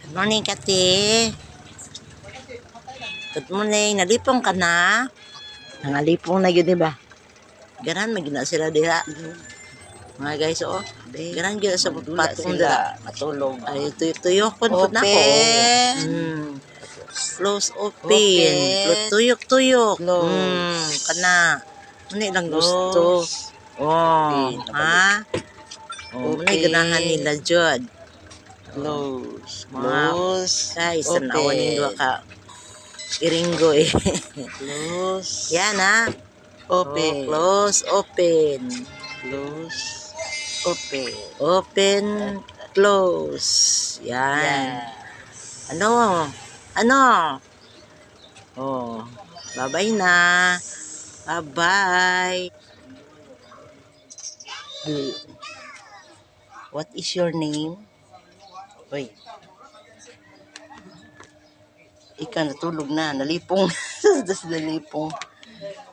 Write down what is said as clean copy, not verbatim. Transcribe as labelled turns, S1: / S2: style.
S1: Morning, Kati. Good morning. Nalipong ka na? Nangalipong na yun, diba? Ganan, magina sila diha. Mga guys, oh. Ganan yun sa patong dila.
S2: Matulog.
S1: Ay, tuyok-tuyokon po na ko. Close, open. Tuyok-tuyok. Kana. Muna lang gusto. Oh, ha? Oh, muna ganahan nila, Jod.
S2: Close.
S1: Guys, tanawan yung dua ka iringgo eh.
S2: Close.
S1: Yan ha.
S2: Open.
S1: Oh, close, open.
S2: Close. Open.
S1: Open, close. Yan. Ano? Ano? Oh, bye-bye na. Bye-bye. What is your name? Uy. Ika natulog na. Nalipong. Nalipong.